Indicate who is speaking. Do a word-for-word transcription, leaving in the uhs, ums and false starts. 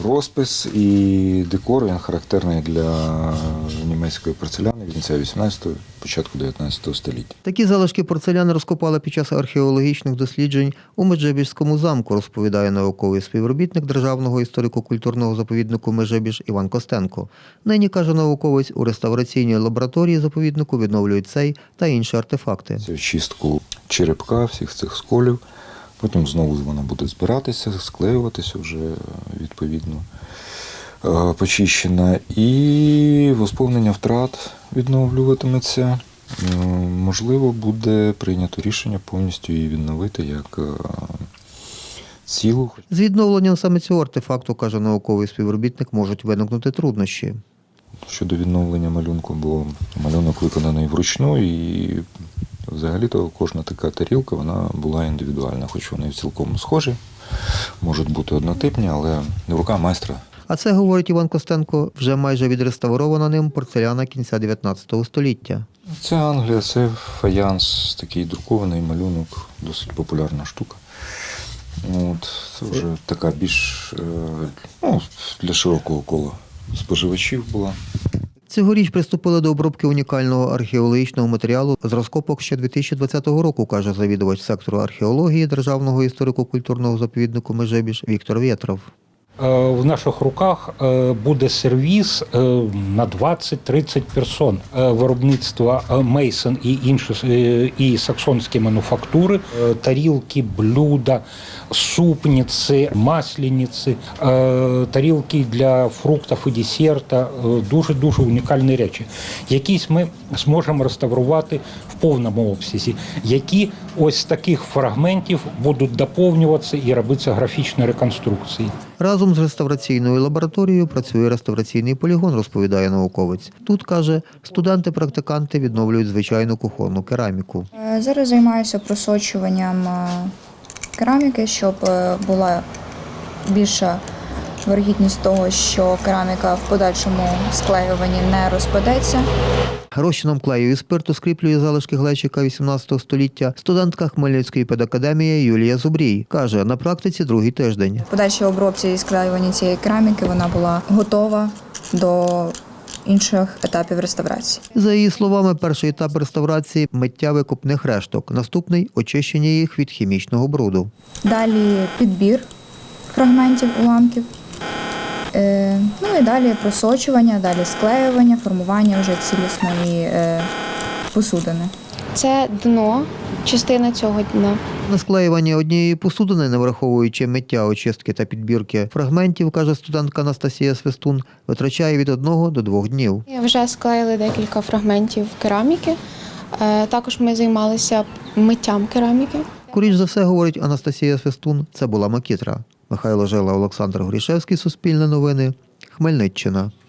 Speaker 1: Розпис і декор, він характерний для німецької порцеляни кінця вісімнадцятого, початку дев'ятнадцятого століття.
Speaker 2: Такі залишки порцеляни розкопали під час археологічних досліджень у Меджибіжському замку, розповідає науковий співробітник Державного історико-культурного заповіднику Межибіж Іван Костенко. Нині, каже науковець, у реставраційній лабораторії заповіднику відновлюють цей та інші артефакти.
Speaker 1: Це очистку черепка, всіх цих сколів. Потім знову вона буде збиратися, склеюватися вже відповідно почищена. І восповнення втрат відновлюватиметься. Можливо, буде прийнято рішення повністю її відновити як цілу.
Speaker 2: З відновленням саме цього артефакту, каже науковий співробітник, можуть виникнути труднощі.
Speaker 1: Щодо відновлення малюнку, бо малюнок виконаний вручну і взагалі-то кожна така тарілка, вона була індивідуальна, хоч вони цілком схожі, можуть бути однотипні, але рука майстра.
Speaker 2: А це, говорить Іван Костенко, вже майже відреставрована ним порцеляна кінця дев'ятнадцятого століття.
Speaker 1: Це Англія, це фаянс, такий друкований малюнок, досить популярна штука. От, це вже така більш ну, для широкого кола споживачів була.
Speaker 2: Цьогоріч приступили до обробки унікального археологічного матеріалу з розкопок ще дві тисячі двадцятого року, каже завідувач сектору археології Державного історико-культурного заповіднику Межибіж Віктор Вєтров.
Speaker 3: В наших руках буде сервіз на двадцять-тридцять персон виробництва Мейсон і інші і саксонські мануфактури, тарілки, блюда, супниці, масляниці, тарілки для фруктів і десерта, дуже-дуже унікальні речі. Якісь ми зможемо реставрувати в повному обсязі, які ось з таких фрагментів будуть доповнюватися і робитися графічні реконструкції.
Speaker 2: Разом з реставраційною лабораторією працює реставраційний полігон, розповідає науковець. Тут, каже, студенти-практиканти відновлюють звичайну кухонну кераміку.
Speaker 4: Зараз займаюся просочуванням кераміки, щоб була більша вирогідність того, що кераміка в подальшому склеюванні не розпадеться.
Speaker 2: Розчином клею і спирту скріплює залишки глечика вісімнадцятого століття студентка Хмельницької педакадемії Юлія Зубрій. Каже, на практиці другий тиждень.
Speaker 4: В подальшій обробці і склеюванні цієї кераміки вона була готова до інших етапів реставрації.
Speaker 2: За її словами, перший етап реставрації – миття викопних решток, наступний – очищення їх від хімічного бруду.
Speaker 4: Далі підбір фрагментів уламків. Ну і далі просочування, далі склеювання, формування вже цілісної посудини.
Speaker 5: Це дно, частина цього дна.
Speaker 2: На склеювання однієї посудини, не враховуючи миття, очистки та підбірки фрагментів, каже студентка Анастасія Свистун, витрачає від одного до двох днів.
Speaker 5: Вже склеїли декілька фрагментів кераміки. Також ми займалися миттям кераміки.
Speaker 2: Скоріш за все, говорить Анастасія Свистун, це була макітра. Михайло Жила, Олександр Горішевський, Суспільне новини, Хмельниччина.